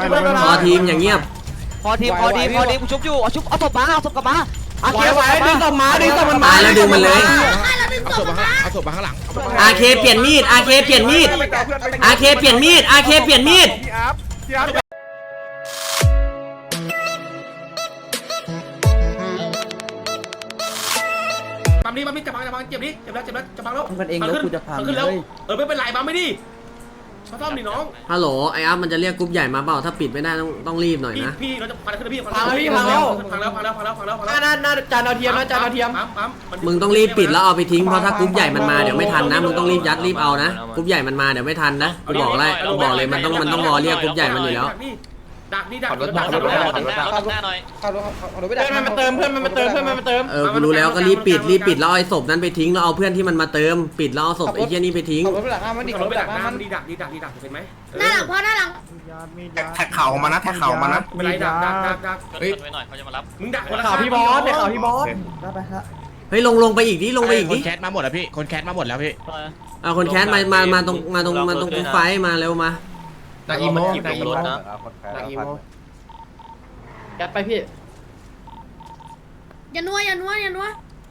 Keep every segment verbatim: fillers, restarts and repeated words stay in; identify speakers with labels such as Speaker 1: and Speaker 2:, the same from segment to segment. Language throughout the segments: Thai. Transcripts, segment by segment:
Speaker 1: พอทีมอย่างเงียบ
Speaker 2: พอทีมพอดีพอดีกูชุบอยู่เอาชุบเอาศพมาเอาศพกลับมาอาเคไว้ดึงศพมาดึงศพมัน
Speaker 1: ตายแล้วดึงมันเลย
Speaker 3: เอาศพมาเอาศพมาข้างหลัง
Speaker 1: อาเคเปลี่ยนมีดอาเคเปลี่ยนมีดอาเคเปลี่ยนมีดอาเคเปลี่ยนมีด
Speaker 4: ปั๊มนี้ปั๊มนี้จับพังจับพังเจ็บดิเจ็บแล้วเจ็บแล้วจับพังแล้ว
Speaker 5: มันเองแล้วกูจะพัง
Speaker 4: ขึ้น
Speaker 5: เล
Speaker 4: แล้ว
Speaker 5: ย
Speaker 4: เออไม่เป็นไรปั๊มไม่ดิมาซ่อมดิน้อง
Speaker 1: ฮัลโหลไอ้อัพมันจะเรียกกรุ๊ปใหญ่มาเปล่าถ้าปิดไม่ได้ต้องต้องรีบหน่อย
Speaker 4: พี่
Speaker 1: นะ
Speaker 4: พี่เราจะพังขึ้นพี่พังแล้วพี่พังแล้วพังแล้วพังแล้วพังแล้วพังแล้วพังแล้ว
Speaker 5: น่าน่าจานดาวเทียมนะจานดาวเทียม
Speaker 4: ปั๊มปั๊ม
Speaker 1: มึงต้องรีบปิดแล้วเอาไปทิ้งเพราะถ้ากรุ๊ปใหญ่มันมาเดี๋ยวไม่ทันนะมึงต้องรีบยัดรีบเอานะกรุ๊ปใหญ่มันมาเดี๋ยวไม่ทันนะกูบอกเลยกูบอกเลยมันต้องมันต้องรอเรียกกรุ๊ปใหญ่มันอยู่แล้ว
Speaker 4: ดักนี่ดัก
Speaker 2: ขับรถขับรถขับรถขับรถหน้าหน่อย
Speaker 5: ขับรถขับรถไปดักเพื่อนมันมาเติมเพื่อนมันมาเติมเพื่อนมันมาเติม
Speaker 1: เออกูรู้แล้วก็รีบปิดรีบปิดแล้วเอาไอ้ศพนั้นไปทิ้งแล้วเอาเพื่อนที่มันมาเติมปิดแล้วเอาศพไอ้เหี้ยนี่ไปทิ้ง
Speaker 5: ขับรถไปดักหน้ามันดิ
Speaker 4: ขั
Speaker 5: ขั
Speaker 4: บบ ร
Speaker 5: ร
Speaker 4: ถ
Speaker 5: ถ
Speaker 4: ไป
Speaker 5: ไป
Speaker 4: ดั
Speaker 5: ดั
Speaker 4: ก
Speaker 5: กห
Speaker 4: ห
Speaker 5: น้า
Speaker 4: น้า
Speaker 5: มัน
Speaker 4: ดีดักดีดักดีดักเห็นไหม
Speaker 6: หน้าหลังพ่อหน้าหลัง
Speaker 3: แท็กเข่ามานะแท็กเข่ามานะ
Speaker 4: ไม่ไรดักดักดักดัก
Speaker 2: เฮ้ยไปหน่อยเขาจะมารับ
Speaker 4: มึงดักคน
Speaker 5: ข่าวพี่บอสเนี่ยข่าวพี่บอสไปฮะ
Speaker 1: เฮ้ยลงลงไปอีกดิลงไปอีก
Speaker 3: ค
Speaker 1: ดิ
Speaker 3: นแคสมาหมดแล้วพี่คนแคสมาหมดแล้วพี่
Speaker 1: เอาคนแคสมามามาตรงมาตรงมาตรงกรุ๊ปไฟมาเร็วมา
Speaker 3: ดักอีโมดักอีโม
Speaker 5: ดักอีโมยัดไปพี่
Speaker 6: อย่านัวอย่านัวอย่านัว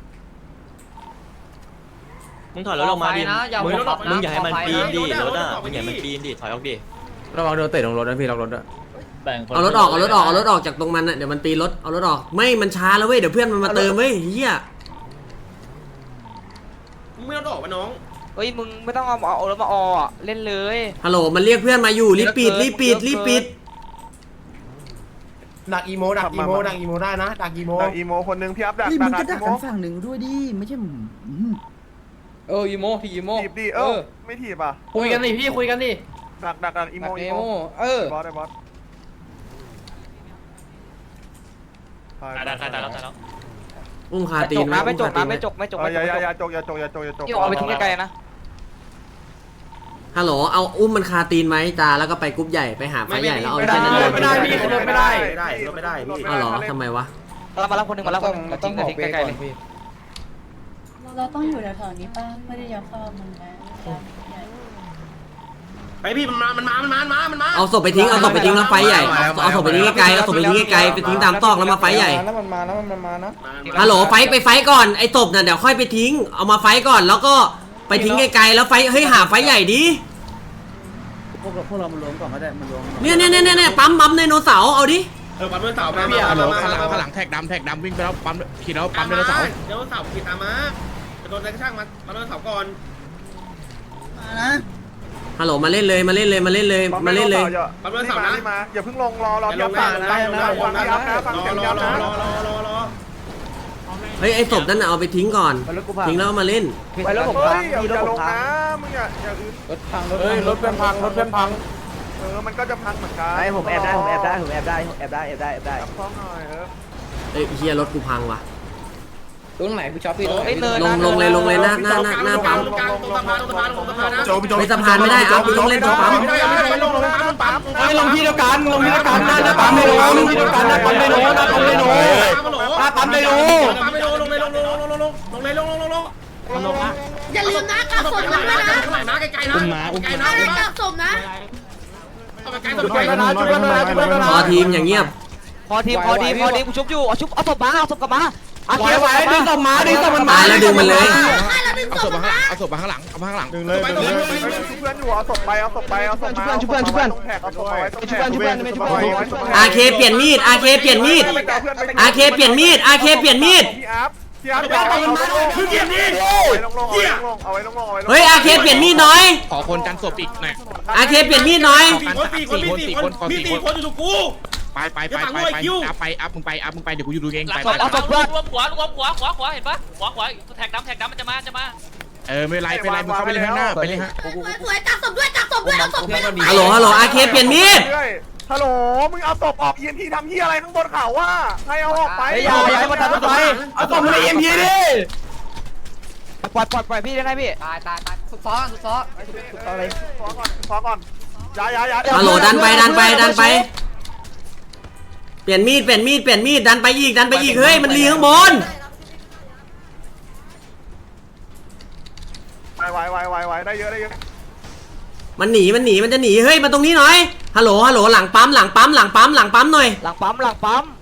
Speaker 2: มึงถอยรถออกมาดิมึงมึงอย่าให้มันปีนดิรถอ่ะมึงอย่าให้มันปีนดิถอยออกดิ
Speaker 1: ระวังโดนเตะลงรถนะพี่ล็อกรถด้วยเอารถออกเอารถออกเอารถออกจากตรงมันน่ะเดี๋ยวมันปีนรถเอารถออกไม่มันช้าแล้วเว้ยเดี๋ยวเพื่อนมันมาเติมเว้ยเฮีย
Speaker 4: มึงไม่ต้องออกวะน้อง
Speaker 2: เฮ้ยมึงไม่ต้องเอาเอารถมาออเล่นเลย
Speaker 1: ฮัลโหลมันเรียกเพื่อนมาอยู่รีบปิดรีบปิดรีบปิด
Speaker 3: ดักอีโมดักอีโมดักอีโมได้นะดักอีโม
Speaker 7: ดักอีโมคนนึงพี่อัพดัก
Speaker 5: พี่
Speaker 7: ดั
Speaker 5: มึ
Speaker 7: ก
Speaker 5: งก็
Speaker 7: ดั
Speaker 5: ดั
Speaker 7: ก
Speaker 5: ก
Speaker 7: อีโม
Speaker 5: กันฝั่งหนึ่งด้วยดิไม่ใช่เอออีโมพี่อีโม
Speaker 7: ถีบดิเออไม่ถีบอ่ะ
Speaker 5: คุยกันดิพี่คุยกันดิ
Speaker 7: ดักดักดักอีโมอีโม
Speaker 5: เออบ
Speaker 7: อสไอ้บอส
Speaker 2: ตายแล้วตายแล้วตายแล้ว
Speaker 1: อุ้มคาตี
Speaker 2: จ
Speaker 1: น
Speaker 2: กนะไม่จกนะไม่จกไม่จก
Speaker 7: อย่า
Speaker 2: ไม่จ
Speaker 7: อย่าก อย่าจกอย่าจกอย่าจกอย่าจก
Speaker 2: ที่เอาไปทิ้งไกลๆนะ
Speaker 1: ฮัลโหลเอาอุ้มมันคาตีนไหมจ้าแล้วก็ไปกรุ๊ปใหญ่ไปหาไฟใหญ่แล้วเอาไอ้เจ้านั่นโดน
Speaker 4: ไม่ได้พี่ไม่ได้ไม่ได้ไม่ได้พี่
Speaker 1: อ้าวเหรอทำไมวะ
Speaker 2: เรามารับคนหนึ่งมารับคนหนึ่ง
Speaker 5: เราต้องบอก
Speaker 2: ทิ้ง
Speaker 5: เบรก
Speaker 2: ไกล
Speaker 5: ก่
Speaker 2: ๆ
Speaker 5: อ
Speaker 2: เลย
Speaker 5: นพี่
Speaker 8: เราต้องอยู่แถวๆนี้ป้าไม่ได้ยัดเข้ามันนะ
Speaker 4: ไอพี่มันมามันมามันมามันมามันมา
Speaker 1: เอาศพไปทิ้งเอาศพไปทิ้งแล้วไฟใหญ่เอาศพไปทิ้งไกลๆเอาศพไปทิ้งไกลๆไปทิ้งตามซอกแล้วมาไฟใหญ่
Speaker 5: แล้วมันมาแล้วมันมานะ
Speaker 1: ฮัลโหลไฟไปไฟก่อนไอ้ศพน่ะเดี๋ยวค่อยไปทิ้งเอามาไฟก่อนแล้วก็ไปทิ้งไกลๆแล้วไฟเฮ้ยหาไฟใหญ่ดิ
Speaker 5: พวกเราพวกเรามันรวมก่อนก็ได้มันรวม
Speaker 1: เนี่ยเนี่ยเนี่ยเนี่ยปั๊มปั๊มไดโนเสาร์เอาดิ
Speaker 4: เออปั๊มเดินเสามา
Speaker 3: พี่
Speaker 4: มา
Speaker 3: ฮัลโหล
Speaker 4: มา
Speaker 3: ข้างหลัง
Speaker 4: มา
Speaker 3: ข้างหลังแท็กดำแท็กดำวิ่งไปแล้วปั๊มขี่แล้วปั๊มไดโนเสาร์
Speaker 4: เดี๋ยวเสาขี่ตามมาจะโดนอะไรก็ช่างมามาโดนเสาก่อน
Speaker 5: มานะ
Speaker 1: ฮัลโหลมาเล่นเลยมาเล่นเลยมาเล่นเลยมาเล่นเลย
Speaker 4: ปั๊มเดินเสานะ
Speaker 7: มาอย่าเพิ่งลงรอรอ
Speaker 4: อย่าล
Speaker 7: พี่อั
Speaker 4: ง
Speaker 7: พ
Speaker 4: นะ
Speaker 7: ฟัง
Speaker 4: อย่าลงนะ
Speaker 7: ฟังพี่อัพนะฟัง
Speaker 4: รอ
Speaker 7: เสียง
Speaker 4: ร
Speaker 7: พี่
Speaker 4: อ
Speaker 7: อัพ
Speaker 4: รอ
Speaker 7: นะ
Speaker 4: รอรอรอรอ
Speaker 1: เฮ้ยไอ้ศพนั่นน่ะเอาไปทิ้งก่อน
Speaker 5: รถกูพัง
Speaker 1: ทิ้งแล้วเอามาเล่น
Speaker 5: ไปรถผม
Speaker 7: เฮ้
Speaker 5: พั
Speaker 7: ย
Speaker 5: ง
Speaker 7: อย่า
Speaker 5: พี่รถ
Speaker 7: อย่า
Speaker 5: ผ
Speaker 7: ล
Speaker 5: ม
Speaker 7: ง
Speaker 5: พัง
Speaker 7: นะมึงอย่าอย่าอื่น
Speaker 5: รถพังรถเฮ้ยรถเพื่อนพังรถเพื่อนพัง
Speaker 7: เออมันก็จะพังเหมือนกัน
Speaker 5: ไอ้ผมแอบได้ผมแอบได้ผมแอบได้แอบได้แอบได้แอบได้
Speaker 7: จับท้องหน่อยเออ
Speaker 1: เอ้ยเฮียรถกูพังว่ะ
Speaker 5: ตรงไหนพี่ช็อปพี่
Speaker 2: เฮ้ยเนิน
Speaker 1: ลงลงเลยลงเลยหน้าหน้าหน้าหน้าปั๊ม
Speaker 4: ตรงกลางตรงสะพานตรงสะพานตรงสะพานนะ
Speaker 3: โจพี่โจ
Speaker 1: ไม่สะพานไม่ได้เอากูต้องเล่นตรงปั๊ม
Speaker 4: ไม่ได้ไม่ได้ลงลงปั๊มปั๊ม
Speaker 5: ไอ้ลงที่เดียวกันลงที่เดียวกันหน้าหน้าปั๊มไดโนลงที่เดียวกันหน้าปั๊มไดโนหน้าปั๊มไดโนหน้าปั๊มไดโน
Speaker 4: ปั๊มไดโนลงเลยลงลงลงลงลงลงเลยลงลงลงลง
Speaker 6: อย่าลืมนะกลับศพนะด้วยนะ
Speaker 4: ข้างหลังนะไกลๆนะไกลๆนะ
Speaker 6: อะไรกลับศพนะ
Speaker 4: เอาไปไกลสุดไกลนะ
Speaker 1: พอทีมอย่างเงียบ
Speaker 2: พอทีมพอดีพอดีกูชุบอยู่เอาชุบเอาศพมาเอาศพกลับมาอาเค
Speaker 5: ไว้
Speaker 2: ไว้
Speaker 5: ไว้ดึงศพมาดึงศพมัน
Speaker 1: ตายแล้วดึงมันเลย
Speaker 6: ให้เราดึง
Speaker 3: เอา
Speaker 6: ศ
Speaker 3: ศ
Speaker 6: พ
Speaker 3: พมา
Speaker 6: มา
Speaker 3: เอาศพมาข้างหลังเอามาข้างหลัง
Speaker 7: ดึงเลยดึงเลยชุบเพื่อนอยู่เอาศพไปเอาศพไปเอาศพมาตรงแท็กเอาศพไว้ตรงแท็ก
Speaker 1: อาเคเปลี่ยนมีดอาเคเปลี่ยนมีดอาเคเปลี่ยนมีดอาเคเปลี่ยนมีด
Speaker 7: พี่อัพพี่อัพอย่าเอามันมาคือเกียร์นี่ลงลงเอาไว้ลงเอาไว้ลงเอาไว้ลง
Speaker 1: เฮ้ยอาเคเปลี่ยนมีดหน่อย
Speaker 3: ขอคนกันศพอีกหน่อย
Speaker 1: อาเคเปลี่ยนมีดหน่อย
Speaker 4: สี่คนสี่คนมีสี่คนมีสี่คนอยู่ถูกกู
Speaker 3: ไปไปไปไปไปอัพไปอัพมึงไปอัพมึงไปเดี๋ยวกูอยู่ดูเองไป
Speaker 2: ศพเอาศพเพื่อน
Speaker 9: รวมหัวรวมหัวขวาขวาเห็นปะขวาขวาแท็กดำแท็กดำมันจะมาจะมา
Speaker 3: เออไม่ไรไม่ไรมึงเข้าไปเลยข้างหน้าไปเลยฮะ
Speaker 6: สวยๆกักศพด้วยกักศพด้วยเอาศพไป
Speaker 1: ฮัลโหลฮัลโหลอาเคเปลี่ยนมีด
Speaker 7: ฮัลโหลมึงเอาศพออก อี เอ็ม พี ทำที่อะไรข้างบนเขาว่าใครเอาออกไป
Speaker 5: ไอ้ยาย้ายมาทำรถไฟเอาศพมาเอ็มพีดิ
Speaker 2: ปล่อยปล่อยปล่อยพี่ได้ไงพี่
Speaker 5: ตายตายตายสุดซ้อสุดซ้อสุดซ้ออะไร
Speaker 7: ขอก่อนขอก่อนย้ายย้ายย้าย
Speaker 1: ฮัลโหลดันไปดันไปดันไปเปลี่ยนมีดเปลี่ยนมีดเปลี่ยนมีดดันไปอีกดันไปอีกเฮ้ยมันลีข้างบน
Speaker 7: ไวไวไวไวไวได้เยอะได้เยอะ
Speaker 1: มันหนีมันหนีมันจะหนีเฮ้ยมาตรงนี้หน่อยฮัลโหลฮัลโหลหลังปั๊มหลังปั๊มหลังปั๊มหลังปั๊มหน่อย
Speaker 2: หลังปั๊มหลังปั๊ม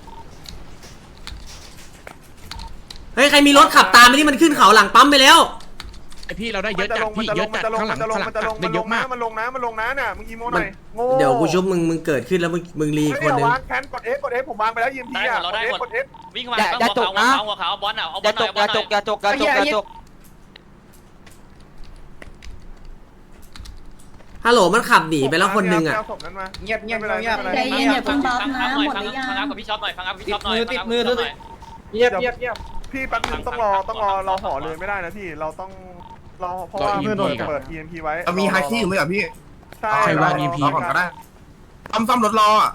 Speaker 1: เฮ้ยใครมีรถขับตามไปที่มันขึ้นเขาหลังปั๊มไปแล้ว
Speaker 3: ไอพี่เราได้เยอะจัดพี่เยอะจัดข้างหลังข้างหลังได้เยอะมาก
Speaker 7: มันลงนะมันลงนะเนี่ยมึงอีโมหน่อยโง่
Speaker 1: เดี๋ยวกูชุบมึงมึงเกิดขึ้นแล้วมึงมึงรีคนหนึง
Speaker 7: วางแคนกด F กด F ผมวางไปแล้วยิมที
Speaker 9: ได้หม
Speaker 7: อ่ะ
Speaker 9: ดเรา
Speaker 7: กด
Speaker 9: ได้
Speaker 7: F
Speaker 9: หมด
Speaker 7: กด F
Speaker 9: วิ่งมาหัวขาวหัวขาวบอลอ่ะเอาบ
Speaker 2: อ
Speaker 9: อล
Speaker 2: ย่า
Speaker 9: หน่
Speaker 2: จ
Speaker 9: อย
Speaker 2: กอย่าจกอย่าจกอย่าจกอย่าจก
Speaker 1: ฮัลโหลมันขับหนีไปแล้วคนหนึงอ่ะ
Speaker 7: เงียบเงียบเงียบ
Speaker 8: ใจเย็นอย่าเพิ่งบัฟ
Speaker 9: ฟัง
Speaker 8: นะ
Speaker 9: อัพหน่อย
Speaker 8: หมด
Speaker 9: ฟั
Speaker 8: ห
Speaker 9: ง
Speaker 8: รือยัง
Speaker 9: ฟังอัพกับพี่ช็อปหน่อยฟังอัพกับพี่ช็อปหน่อยติดมือติดมือ
Speaker 7: เงียบเงียบเงียบพี่แป๊บนึงต้องรอต้องรอเราห่อเลยไม่ได้นะพี่เราต้องรอเพราะว่าเพื่อนโดนเปิด อี เอ็ม พี ไว้
Speaker 5: มีไฮคีอยู่ไหมอ่ะพี่
Speaker 7: ใช่
Speaker 3: ใครวาง อี พี
Speaker 5: ก่อนก็ได้ซ่อมซ่อมรถรออ่ะ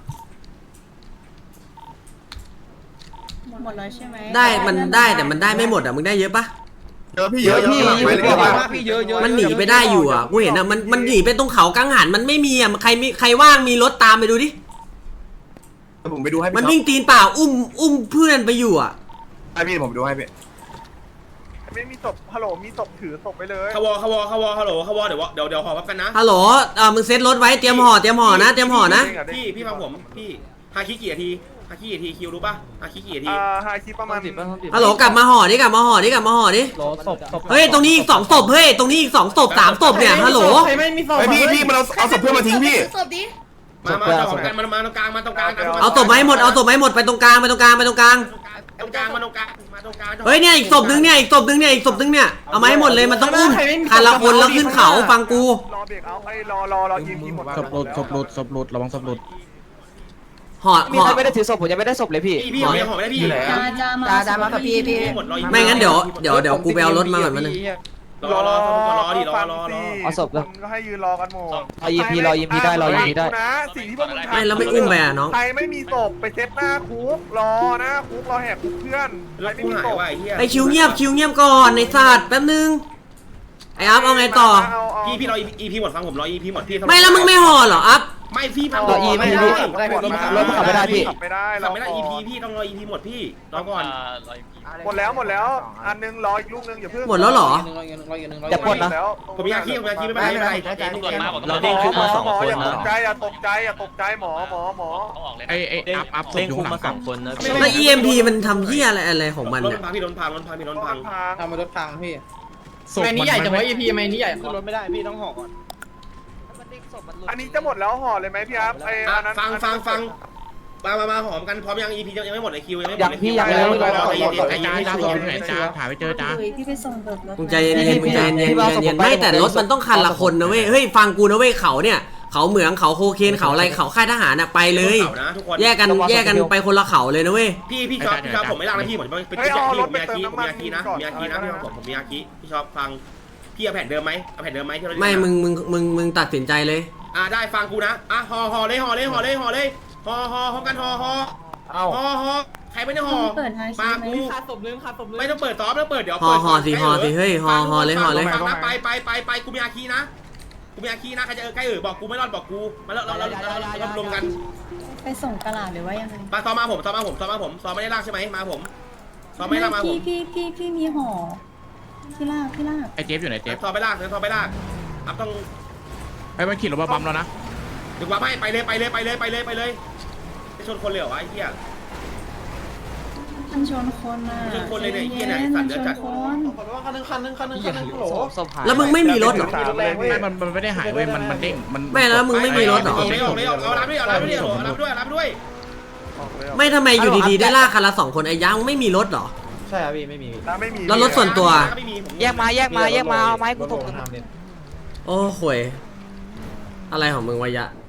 Speaker 8: หมดแล้วใช่ไหม
Speaker 1: ได้มันได้แต่มันได้ไม่หมดอ่ะมึงได้เยอะปะ
Speaker 5: เยอะพี่เยอะพี่ไปเลยว่า
Speaker 1: มันหนีไปได้อยู่อ่ะกูเห็นอ่ะมันมันหนีไปตรงเขากังหันมันไม่มีอ่ะใครมีใครว่างมีรถตามไปดูดิ
Speaker 5: ผมไปดูให้
Speaker 1: มัน
Speaker 5: พี่
Speaker 1: วิ่งตีนเปล่าอุ้มอุ้มเพื่อนไปอยู่อ่ะ
Speaker 5: ให้พี่ผมดูให้พี่
Speaker 7: ไม่มีศพฮัลโหลมีศพถือศพไปเลย
Speaker 4: ขวอขวอขวอฮัลโหลขวอเดี๋ยวเดี๋ยวเดี๋ยวห่อพับกันนะ
Speaker 1: ฮัลโหลเออมึงเซ็ตรถไว้เตรียมห่อเตรียมห่อนะเตรียมห่อนะ
Speaker 4: พี่พี่ฟังผมพี่ฮาคิกี่นาทีฮาคิกี่นาทีคิวรู้ป่ะฮาคิกี่นาที
Speaker 7: อ่าไฮคีประมาณ
Speaker 1: ฮัลโหลกลับมาห่อดิกลับมาห่อดิกลับมาห่อดิเฮ้ยตรงนี้อีกสองศพเฮ้ยตรงนี้อีกสองศพสามศพเนี่ยฮัลโหล
Speaker 5: ไอพี่พี่มันเอาเอาศพเพื่อนมาทิ้งพี่
Speaker 6: ศพดิ
Speaker 4: มามามาของกันมามาตรงกลางมาตรงกลาง
Speaker 1: เอาศพไม้หมดเอาศพไม้หมดไปตรงกลางไปตรงกลางไปตรงกลาง
Speaker 4: ตรงกลางมาตรงกลางมาตรงกลาง
Speaker 1: เฮ้ยเนี่ยอีกศพนึงเนี่ยอีกศพนึงเนี่ยอีกศพนึงเนี่ยเอามาให้หมดเลยมันต้องอุ้มคันละคนแล้วขึ้นเขาฟังกู
Speaker 7: รอเบรกเอาไอ้รอรอรอ อี เอ็ม พี หมด
Speaker 3: ศพหลุดศพหลุดศพหลุดระวังศพหลุด
Speaker 1: ห่อ
Speaker 2: มี
Speaker 1: ห่อ
Speaker 2: ใครไม่ได้ถือศพผมยังไม่ได้ศพเลยพี่
Speaker 4: พี่พี่ห่อไม่ห่อไม่ได้พี่
Speaker 8: จ้าจ้ามา
Speaker 2: จ้าจ้ามากับพี่พี่
Speaker 4: หมดรอ
Speaker 1: ไม่งั้นเดี๋ยวเดี๋ยวเดี๋ยวกูไปเอารถมาก่อนมันนึง
Speaker 4: รอรอรอดิรอรอรอ
Speaker 2: เอาศพเลย
Speaker 7: ก็ให้ยืนรอกันหมด
Speaker 2: รอ อี เอ็ม พี รอ อี เอ็ม พี ได้รอ อี เอ็ม พี ได้
Speaker 7: นะสิ่งที่พวกมึงทำ
Speaker 1: ไม่แล้วไม่อุ้มไปอ่ะน้อง
Speaker 7: ใครไม่มีศพไปเซตหน้าคุกรอหน้าคุกรอแหกคุกเพื่อนใคร
Speaker 4: แล้ว
Speaker 7: ไม่
Speaker 4: กู
Speaker 7: มี
Speaker 4: หาย
Speaker 7: ศพ
Speaker 4: ว่ะไอ้เหี้ย
Speaker 1: ไอคิวเงียบคิวเงียบก่อนในศาสตร์แป๊บนึงไออัพเอาไงต่อ
Speaker 4: พี่พี่รออีพีหมดฟังผมรออีพีหมดพี่
Speaker 1: ไม่แล้วมึงไม่ห่อเหรออัพ
Speaker 4: ไม่พี่ฟัง
Speaker 2: รอ E ไม่ได้
Speaker 7: ได้หมด
Speaker 2: รถมันขับไม่ได้พี่
Speaker 7: ขับไม่ได้
Speaker 4: ขับไม่ได้อีพีพี่ต้องรออีพีหมดพี่รอก่อน
Speaker 9: รออีกที
Speaker 7: หมดแล้วหมดแล้ว อันนึงรออีกลูกนึงอย่าเพิ่ง
Speaker 1: หมดแล้วเหรอ
Speaker 2: อย่าปล้นนะ
Speaker 4: ผมมีอาคีผมมีอาคีไม่เป็นไรไม่เป็นไร
Speaker 9: ตำรวจมาบอก
Speaker 7: หม
Speaker 9: เรา
Speaker 7: อ
Speaker 9: เด้ง
Speaker 7: ห
Speaker 9: คุก
Speaker 7: มอ
Speaker 9: มาสอง
Speaker 7: หมอ
Speaker 9: คน
Speaker 7: อย่าต
Speaker 9: นะ
Speaker 7: กใจอย่าตกใจอย่าตกใจหมอหมอหมอ
Speaker 9: เขาออกเลย
Speaker 3: ไอไออัพอัพศพอยู่ข้างหลังกลับ
Speaker 1: แล้ว อี เอ็ม พี มันทำเหี้ยอะไรอะไรของมัน
Speaker 4: รถ
Speaker 1: เนี่ย
Speaker 4: พังพี่รถพังรถพังพี่รถพัง
Speaker 7: ทำมารถพังพี่
Speaker 3: ศพมันใหญ่จังวะ อี พี
Speaker 7: ขึ้นรถไม่ได้พี่ต้องห่อก่อนอันนี้จะหมดแล้วห่อเลยไหมพี่ครับไอ้อันนั้น
Speaker 4: ฟังฟังฟังมามามาหอมกันพร้อมยังอีพียังไม่หมดเลยคิวยังไม่หมด
Speaker 2: ยังพี่ยังเลย
Speaker 4: รอใจเย็น
Speaker 3: ไอจ้าจ้าศพอยู่ไหนจ้าถ่ายไปเจอจ้า
Speaker 8: พี่ไปส่งเบิกรถ
Speaker 1: มึงใจเย็นๆมึงใจเย็นๆใจเย็นๆไม่แต่รถมันต้องคันละคนนะเว้ยเฮ้ยฟังกูนะเว้ยเขาเนี่ยเขาเหมืองเขาโคเคนเขาอะไรเขาค่ายทหารน่ะไปเลย
Speaker 4: นะทุกคน
Speaker 1: แยกกันแยกกันไปคนละเขาเลยนะเว้ย
Speaker 4: พี่พี่ชอบพี่ชอบผมไม่ลากนะพี่ผมเป็น
Speaker 7: เฮ้ย
Speaker 4: พี่
Speaker 7: เอารถ
Speaker 4: ผม
Speaker 7: ไป
Speaker 4: มีอา
Speaker 7: เติม
Speaker 4: คีผม
Speaker 7: น้ำมัน
Speaker 4: มีอาคีนะ
Speaker 7: ก่อน
Speaker 4: มีอาคีนะพี่ผมผมมีอาคีพี่ชอบฟังพี่เอาแผ่นเดิมไหมเอาแผ่นเดิมไหมที่เรา
Speaker 1: ไม่มึงมึงมึงมึงตัดสินใจเลย
Speaker 4: อ่าได้ฟังกูนะอ่ะห่อห่อเลยห่อเลยห่อเลยห่อเลยห่อห่อห่อกันห่อห่อห่อห่อใครไม่ได้ห่อ
Speaker 8: เปิดไฮซี
Speaker 4: มา
Speaker 8: ไหม
Speaker 4: กูไม่ต้องเปิดซอฟต์แล้วเปิดเดี๋ยว
Speaker 1: ห่อห่อสิห่อสิเฮ้ยห่อห่อเลยห่อเลย
Speaker 4: ฟังนะไปไปไปไปกูมีอาคีนะกูมีอาคีนะใครจะเออใกล้เออบอกกูไม่รอดบอกกูมาแล้วเราเราเรารวมกัน
Speaker 8: ไปส่งตลาดหรือว่ายังไง
Speaker 4: มาซ้อมมาผมซ้อมมาผมซ้อมมาผมซ้อมไม่ได้ลากใช่ไหมมาผมซ้อมไม่ได้ลากมาผม
Speaker 8: พี่พี่พี่พี่มีห่อพี่ลากพี่ลาก
Speaker 3: ไอเจฟอยู่ไหนเจฟ
Speaker 4: ซ้อมไม่ลากซ้อมไม่ลากครับต้อง
Speaker 3: ไอมันขี่รถมาบัมแล้วนะ
Speaker 4: ถึงว่าไม่ไปเลยไปเลยไปเลยไปเลยไปเลยไปชนคนเลยเหรอวะไอ้เหี้ย
Speaker 8: มันชนคนอ่ะ
Speaker 4: ชนคนเลยเนี่ยไอ้เหี้ยเนี่ยไอ้สั
Speaker 8: มั
Speaker 4: ตว์
Speaker 8: น
Speaker 4: เดี๋
Speaker 8: ช
Speaker 4: ยวน จัด
Speaker 8: คน
Speaker 7: คันนึงคันนึงคันนึงคันนึงโหล
Speaker 1: แล้วมึงไม่มีรถเหรอ
Speaker 3: ไม่มันมันไม่ได้หายเว้ยมันมันเด้งมัน
Speaker 1: ไม่แล้วมึงไม่มีรถเหรอ
Speaker 4: ออกเลยออกเลยออกเอารับด้วยเอารับด้วยเอารับด้วยเอารับด้วย
Speaker 1: ไม่ทำไมอยู่ดีๆได้ลากคันละสองคนไอ้ยังไม่มีรถเหรอ
Speaker 7: ใช่ครับพี่ไม่มีไม่มี
Speaker 1: แล้วรถส่วนตัว
Speaker 2: แยกมาแยกมาแยกมาเอาไม้กูถก
Speaker 1: โอ้ห่วยอะไรของมึงวะยะ